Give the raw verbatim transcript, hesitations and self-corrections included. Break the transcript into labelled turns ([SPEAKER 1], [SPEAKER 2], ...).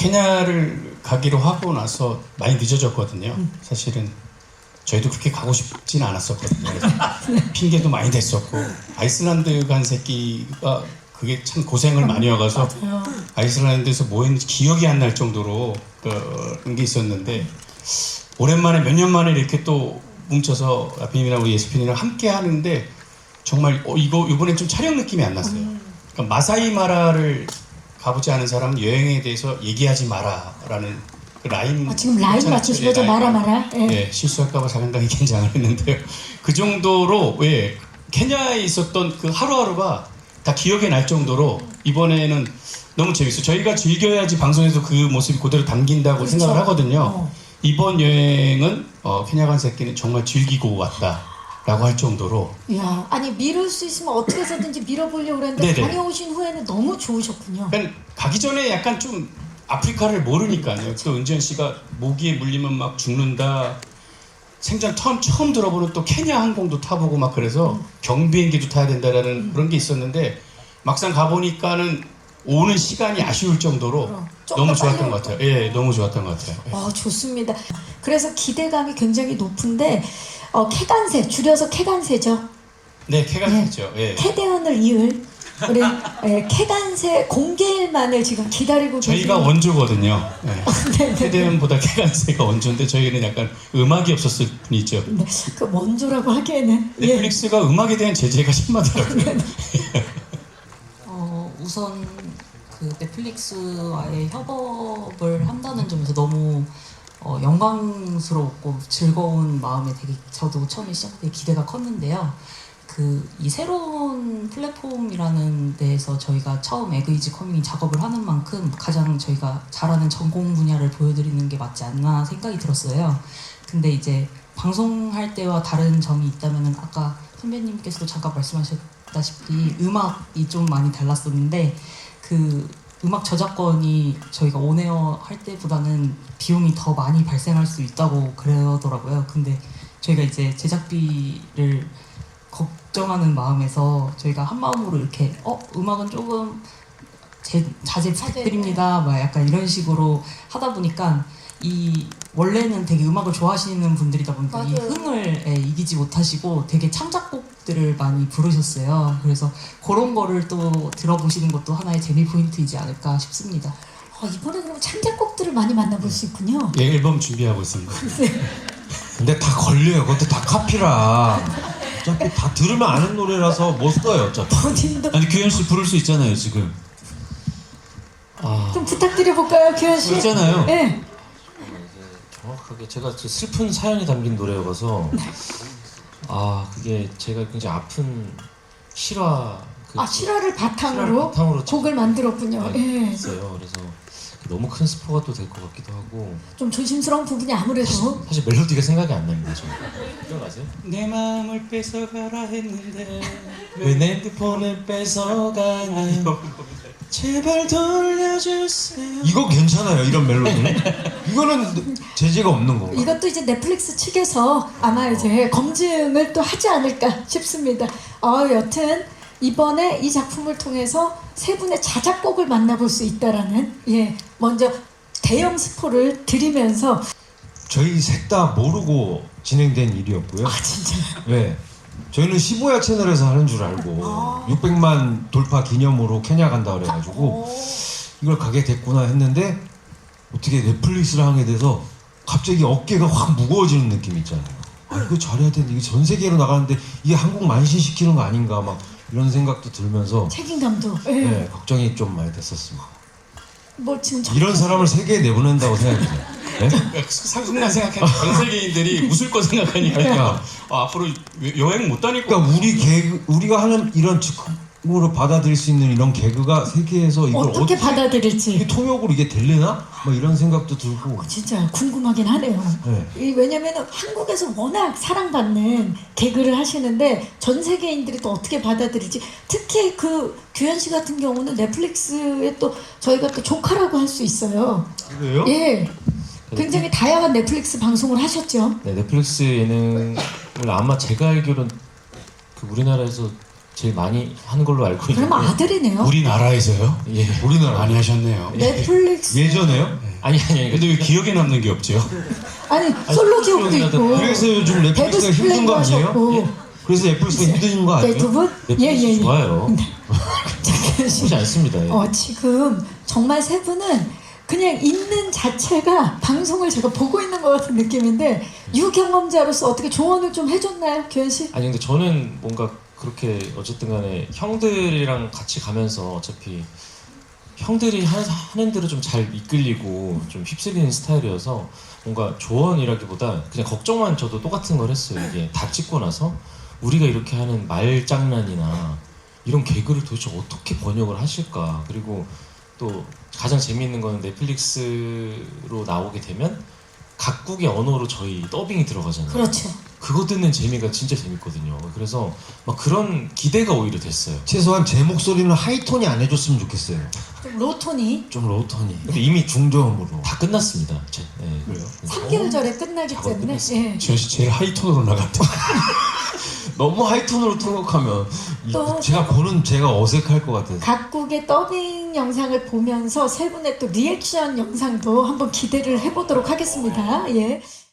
[SPEAKER 1] 케냐를 가기로 하고 나서 많이 늦어졌거든요. 음. 사실은 저희도 그렇게 가고 싶진 않았었거든요. 그래서 핑계도 많이 댔었고 아이슬란드 간 새끼가 그게 참 고생을 많이 와가서
[SPEAKER 2] 맞아요.
[SPEAKER 1] 아이슬란드에서 뭐 했는지 기억이 안 날 정도로 그런 게 있었는데 오랜만에 몇 년 만에 이렇게 또 뭉쳐서 아피님이랑 우리 예스핀이랑 함께 하는데 정말 어, 이거 이번엔 좀 촬영 느낌이 안 났어요. 그러니까 마사이 마라를 가보지 않은 사람은 여행에 대해서 얘기하지 마라라는 그 라인.
[SPEAKER 2] 아, 지금 라인 맞추신 거죠?
[SPEAKER 1] 예,
[SPEAKER 2] 마라 마라. 예.
[SPEAKER 1] 예, 실수할까봐 상당히 긴장을 했는데요. 그 정도로 예, 케냐에 있었던 그 하루하루가 다 기억에 날 정도로 이번에는 너무 재밌어요. 저희가 즐겨야지 방송에서 그 모습이 그대로 담긴다고
[SPEAKER 2] 그렇죠.
[SPEAKER 1] 생각을 하거든요.
[SPEAKER 2] 어.
[SPEAKER 1] 이번 여행은 어, 케냐 간 새끼는 정말 즐기고 왔다. 라고 할 정도로.
[SPEAKER 2] 야, 아니 미룰 수 있으면 어떻게 해서든지 밀어보려고 그랬는데
[SPEAKER 1] 네네.
[SPEAKER 2] 다녀오신 후에는 너무 좋으셨군요.
[SPEAKER 1] 그러니까 가기 전에 약간 좀 아프리카를 모르니까요. 또 은지연 씨가 모기에 물리면 막 죽는다. 생전 처음, 처음 들어보는 또 케냐 항공도 타보고 막 그래서
[SPEAKER 2] 음.
[SPEAKER 1] 경비행기도 타야 된다라는
[SPEAKER 2] 음.
[SPEAKER 1] 그런 게 있었는데 막상 가보니까는 오는 시간이 아쉬울 정도로
[SPEAKER 2] 어,
[SPEAKER 1] 너무 좋았던 것 같아요. 예, 너무 좋았던 것 같아요. 예.
[SPEAKER 2] 아, 좋습니다. 그래서 기대감이 굉장히 높은데 어, 캐간세, 줄여서 캐간세죠.
[SPEAKER 1] 네, 캐간세죠. 예.
[SPEAKER 2] 캐대언을 이을 우리 예, 캐간세 공개일만을 지금 기다리고
[SPEAKER 1] 저희가
[SPEAKER 2] 계시는-
[SPEAKER 1] 원조거든요. 예.
[SPEAKER 2] 네네.
[SPEAKER 1] 캐대언보다 캐간세가 원조인데 저희는 약간 음악이 없었을 뿐이죠.
[SPEAKER 2] 네, 그 원조라고 하기에는 예.
[SPEAKER 1] 넷플릭스가 음악에 대한 제재가 심하더라고요.
[SPEAKER 3] 어, 우선 그 넷플릭스와의 협업을 한다는 점에서 너무 어, 영광스럽고 즐거운 마음에 되게 저도 처음에 시작할 때 기대가 컸는데요. 그 이 새로운 플랫폼이라는 데에서 저희가 처음 에그이지 커밍 작업을 하는 만큼 가장 저희가 잘하는 전공 분야를 보여드리는 게 맞지 않나 생각이 들었어요. 근데 이제 방송할 때와 다른 점이 있다면은 아까 선배님께서도 잠깐 말씀하셨다시피 음악이 좀 많이 달랐었는데 그 음악 저작권이 저희가 온에어 할 때보다는 비용이 더 많이 발생할 수 있다고 그러더라고요. 근데 저희가 이제 제작비를 걱정하는 마음에서 저희가 한 마음으로 이렇게 어 음악은 조금 제, 자제 부탁드립니다. 막 약간 이런 식으로 하다 보니까 이 원래는 되게 음악을 좋아하시는 분들이다 보니까 이
[SPEAKER 2] 맞아요.
[SPEAKER 3] 흥을 예, 이기지 못하시고 되게 창작곡들을 많이 부르셨어요. 그래서 그런 거를 또 들어보시는 것도 하나의 재미 포인트이지 않을까 싶습니다.
[SPEAKER 2] 어, 이번에 그럼 창작곡들을 많이 만나볼 수 있군요.
[SPEAKER 1] 예, 앨범 준비하고 있습니다.
[SPEAKER 4] 근데 다 걸려요. 그것도 다 카피라. 어차피 다 들으면 아는 노래라서 못 써요. 어차피.
[SPEAKER 2] 본인도
[SPEAKER 5] 아니 규현 씨 부를 수 있잖아요 지금.
[SPEAKER 1] 아,
[SPEAKER 2] 좀 부탁드려 볼까요, 규현 씨?
[SPEAKER 5] 있잖아요.
[SPEAKER 2] 네.
[SPEAKER 4] 정확하게 제가 저 슬픈 사연이 담긴 노래여서 아 그게 제가 굉장히 아픈 실화 그
[SPEAKER 2] 아, 실화를 바탕으로,
[SPEAKER 4] 실화를 바탕으로
[SPEAKER 2] 곡을 만들었군요.
[SPEAKER 4] 네,
[SPEAKER 2] 예.
[SPEAKER 4] 있어요. 그래서 너무 큰 스포가 또 될 것 같기도 하고
[SPEAKER 2] 좀 조심스러운 부분이 아무래도
[SPEAKER 4] 사실 멜로디가 생각이 안 납니다. 저는. 기억나세요?
[SPEAKER 1] 내 마음을 뺏어가라 했는데
[SPEAKER 4] 왜 내 핸드폰을 뺏어가니 제발 돌려주세요. 이거 괜찮아요. 이런 멜로디. 이거는 제재가 없는 건가?
[SPEAKER 2] 이것도 이제 넷플릭스 측에서 아마 이제 검증을 또 하지 않을까 싶습니다. 어, 여튼 이번에 이 작품을 통해서 세 분의 자작곡을 만나볼 수 있다라는 예 먼저 대형 스포를 드리면서
[SPEAKER 4] 저희 셋 다 모르고 진행된 일이었고요.
[SPEAKER 2] 아 진짜
[SPEAKER 4] 네. 저희는 십오야 채널에서 하는 줄 알고
[SPEAKER 2] 아.
[SPEAKER 4] 육백만 돌파 기념으로 케냐 간다 그래가지고 이걸 가게 됐구나 했는데 어떻게 넷플릭스를 하게 돼서 갑자기 어깨가 확 무거워지는 느낌 있잖아요. 아 이거 잘해야 되는데 이게 전 세계로 나가는데 이게 한국 만신시키는 거 아닌가 막 이런 생각도 들면서
[SPEAKER 2] 책임감도 예.
[SPEAKER 4] 네, 걱정이 좀 많이 됐었습니다.
[SPEAKER 2] 뭐 지금 저-
[SPEAKER 4] 이런 사람을 세계에 내보낸다고 생각해요. 네?
[SPEAKER 1] 상순간 생각하는 전 세계인들이 웃을 거 생각하니까 아, 앞으로 여행 못 다닐 거.
[SPEAKER 4] 그러니까 우리 개그 우리가 하는 이런 즉흥으로 받아들일 수 있는 이런 개그가 세계에서 이걸
[SPEAKER 2] 어떻게
[SPEAKER 4] 어떻게
[SPEAKER 2] 받아들일지
[SPEAKER 4] 이게 통역으로 이게 될래나? 뭐 이런 생각도 들고.
[SPEAKER 2] 진짜 궁금하긴 하네요.
[SPEAKER 4] 네.
[SPEAKER 2] 이 왜냐면은 한국에서 워낙 사랑받는 개그를 하시는데 전 세계인들이 또 어떻게 받아들일지 특히 그 규현 씨 같은 경우는 넷플릭스에 또 저희가 또 조카라고 할 수 있어요.
[SPEAKER 4] 그래요?
[SPEAKER 2] 예. 굉장히 다양한 넷플릭스 방송을 하셨죠.
[SPEAKER 6] 네, 넷플릭스 예능을 아마 제가 알기로는 그 우리나라에서 제일 많이 하는 걸로 알고 있는데.
[SPEAKER 2] 그럼 아들이네요.
[SPEAKER 1] 우리나라에서요?
[SPEAKER 6] 예.
[SPEAKER 4] 우리나라
[SPEAKER 1] 많이 하셨네요.
[SPEAKER 2] 넷플릭스
[SPEAKER 4] 예전에요?
[SPEAKER 6] 아니 아니 아니.
[SPEAKER 1] 근데 왜 기억에 남는 게 없죠?
[SPEAKER 2] 아니 솔로 지옥도 있고
[SPEAKER 4] 그래서 요즘 넷플릭스가
[SPEAKER 2] 데브스
[SPEAKER 4] 힘든 거
[SPEAKER 2] 플랜도
[SPEAKER 4] 아니에요?
[SPEAKER 2] 하셨고
[SPEAKER 4] 그래서 넷플릭스가 힘든 거 아니에요?
[SPEAKER 2] 네, 두 분?
[SPEAKER 6] 넷플릭스
[SPEAKER 2] 예예예.
[SPEAKER 6] 좋아요.
[SPEAKER 2] 자,
[SPEAKER 6] 그렇지 않습니다. 예.
[SPEAKER 2] 어, 지금 정말 세 분은 그냥 있는 자체가 방송을 제가 보고 있는 것 같은 느낌인데 유경험자로서 어떻게 조언을 좀 해줬나요, 규현 씨?
[SPEAKER 6] 아니 근데 저는 뭔가 그렇게 어쨌든 간에 형들이랑 같이 가면서 어차피 형들이 하는, 하는 대로 좀 잘 이끌리고 좀 휩쓸리는 스타일이어서 뭔가 조언이라기보다 그냥 걱정만 저도 똑같은 걸 했어요. 이게 다 찍고 나서 우리가 이렇게 하는 말장난이나 이런 개그를 도대체 어떻게 번역을 하실까. 그리고 또 가장 재미있는 거는 넷플릭스로 나오게 되면 각국의 언어로 저희 더빙이 들어가잖아요.
[SPEAKER 2] 그렇죠.
[SPEAKER 6] 그거 듣는 재미가 진짜 재밌거든요. 그래서 막 그런 기대가 오히려 됐어요.
[SPEAKER 4] 최소한 제 목소리는 하이톤이 안 해줬으면 좋겠어요.
[SPEAKER 2] 좀 로톤이
[SPEAKER 4] 좀 로톤이.
[SPEAKER 6] 근데 이미
[SPEAKER 4] 중저음으로.
[SPEAKER 6] 다 끝났습니다. 제, 네.
[SPEAKER 4] 그래요?
[SPEAKER 2] 삼 개월 전에 끝나기
[SPEAKER 6] 작업
[SPEAKER 2] 때문에
[SPEAKER 6] 끝났어요.
[SPEAKER 2] 예.
[SPEAKER 1] 지현 씨 제일 하이톤으로 나갔다.
[SPEAKER 4] 너무 하이톤으로 통역하면
[SPEAKER 2] 또
[SPEAKER 4] 제가 보는 제가 어색할 것 같아서.
[SPEAKER 2] 각국의 더빙 영상을 보면서 세 분의 또 리액션 영상도 한번 기대를 해보도록 하겠습니다. 예.